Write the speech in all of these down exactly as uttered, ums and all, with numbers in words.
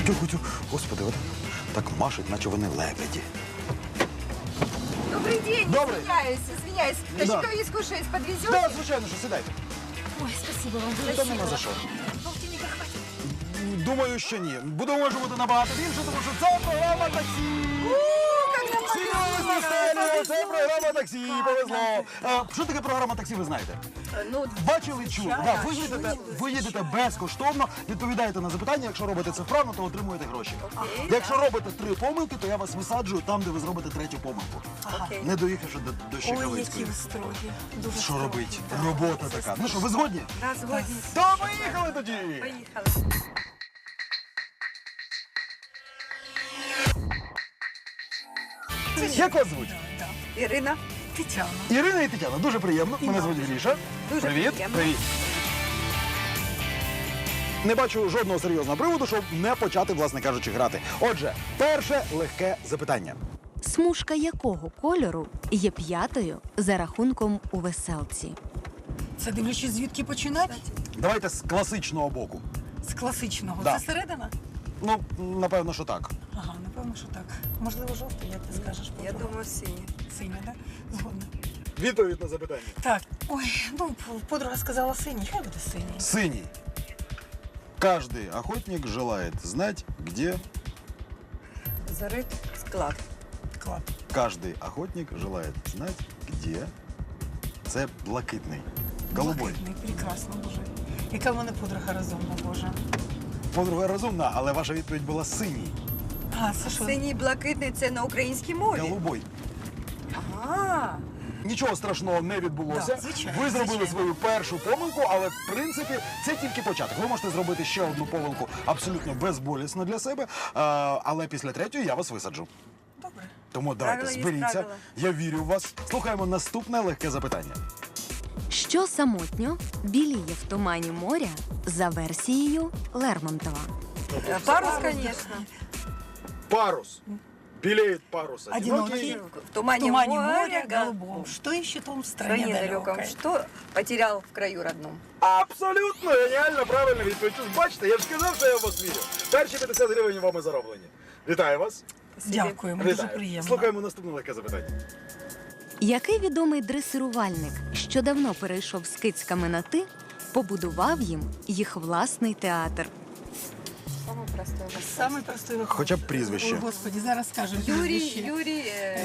Тихо, тихо. Господи, от так машуть, наче вони лебеді. Добрый день, Добрый. извиняюсь, извиняюсь. Да. Тащиковик скушать подвезете? Так, звичайно, що сидайте. Ой, спасибо вам, Та спасибо. нема за що. Полтинника хватит. Думаю, що ні. Буде може бути набагато більше, тому що це програма таксі. Серйозно, Стелія, це програма таксі, повезло. А, що таке програма таксі, ви знаєте? Ну, Бачили, чули. Да, ви, їдете, ви їдете безкоштовно, відповідаєте на запитання. Якщо робите це вправно, то отримуєте гроші. Окей, Якщо робите три помилки, то я вас висаджую там, де ви зробите третю помилку. окей. Не доїхавши до, до Ой, які Щекавицької. ви строгі. Дуже Що строгі. робить? Да. Робота така. Ну що, ви згодні? Да, згодні. То поїхали тоді! Поїхали. Як вас звуть? Ірина. Тетяна. Ірина і Тетяна, дуже приємно. Мене звуть Гріша. Дуже Привіт. приємно. Привіт. Не бачу жодного серйозного приводу, щоб не почати, власне кажучи, грати. Отже, перше легке запитання. Смужка якого кольору є п'ятою за рахунком у веселці? Це дивлячись, звідки починати? Давайте з класичного боку. З класичного. Да. Це середина? Ну, напевно, що так. Ага, напевно, що так. Можливо, жовтий, як ти скажеш. Я подруга? думаю, сині. Синя, так? Да? Згодна. Відповідь на запитання. Так. Ой, ну, подруга сказала синій. Хай буде синій. Синий. Каждый охотник желает знать, где... Зарит склад. Клад. Каждый охотник желает знать, где... Це блакитний. Голубой. Блакитний, прекрасно, Боже. Яка в мене подруга розумна, Боже. Подруга розумна, але ваша відповідь була синій. А, це що? Синій, блакитний – це на українській мові. Голубой. Ага. Нічого страшного не відбулося. Да, звичайно, Ви зробили звичайно. свою першу помилку, але в принципі це тільки початок. Ви можете зробити ще одну помилку абсолютно безболісно для себе, а, але після третьої я вас висаджу. Добре. Тому давайте Правила є зберіться. правила. Я вірю в вас. Слухаємо наступне легке запитання. Що самотньо біліє в тумані моря за версією Лермонтова? Парус, конечно. Парус. Білеет парус. Одинокий. В тумане, В тумане моря, моря га- голубом. Что ищет он в в стране стране далеком. далекой? Что потерял в краю родном? Абсолютно геніально правильна відповідь. Ви ж бачите, я ж сказав, що я в вас вірю. Перші п'ятдесят гривень вами зароблені. Вітаю вас. Дякуємо, дуже Вітаю. приємно. Слухаємо наступне легке запитання. Який відомий дресирувальник, що давно перейшов з кицьками на «ти», побудував їм їх власний театр? Самый простой вопрос. Самий простий вопрос. Хоча б прізвище. Ой, Господи, зараз скажемо Юрий, прізвище. Юрий,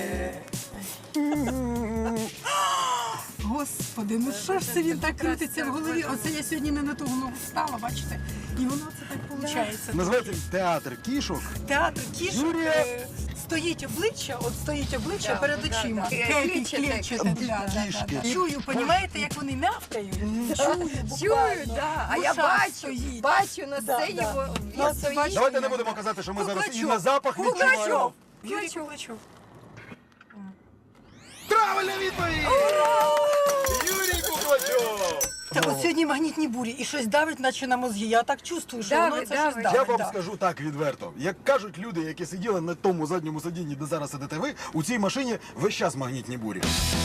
э, Господи, ну що ж це він так крутиться в голові? Оце я сьогодні не на ту ногу встала, бачите? І воно це так виходить. Називається театр кішок. Театр кішок Юрія. е, стоїть обличчя, от стоїть обличчя Да, перед да, очима. да. Клейкий, Клетчате. клетчате, да, да, да, Кішки. да. Чую, понімаєте, як вони мявкають? Чую, чую, буквально. да. А В я ушах бачу, стоїть. бачу на Да, сцені, да. бо Ну, він стоїть. бачите, Давайте не будемо казати, що ми зараз і Куклачов. на запах відчуваємо. Куклачов. Юрій Куклачов. Куклачов. Правильна відповідь! Юрій Куклачов! Та от сьогодні магнітні бурі і щось давить, наче на мозги. Я так чувствую, що Давить, воно це давить. щось Я давить. вам да. скажу так відверто. Як кажуть люди, які сиділи на тому задньому сидінні, де зараз сидите ви, у цій машині весь час магнітні бурі.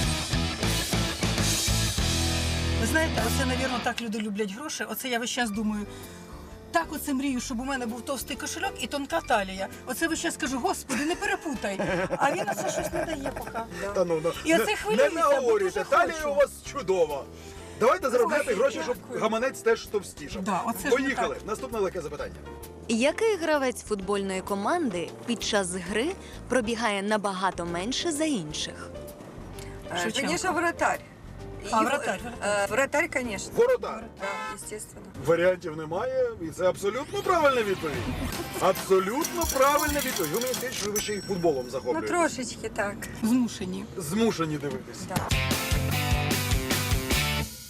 Ви знаєте, оце, навірно, так люди люблять гроші. Оце я весь час думаю. Так оце мрію, щоб у мене був товстий кошельок і тонка талія. Оце весь час кажу, Господи, не перепутай. А він оце щось не дає поки. Та ну, ну, І оце не- хвилюється, Не бо наговорюйте, дуже талія хочу. у вас чудова. Давайте заробляти Ой, гроші, щоб дякую. гаманець теж товстішав. Да, оце ж не Поїхали. так. Наступне легке запитання. Який гравець футбольної команди під час гри пробігає набагато менше за інших? Э, Шевченко. Конечно, вратарь. А, И, вратарь, э, Вратарь, конечно. Воротар. Да, естественно. Варіантів немає, і це абсолютно правильна відповідь. Абсолютно правильна відповідь. Ви мені скажіть, що ви ще й футболом Ну, захоплюєтесь. трошечки так. Змушені. Змушені дивитись. Да.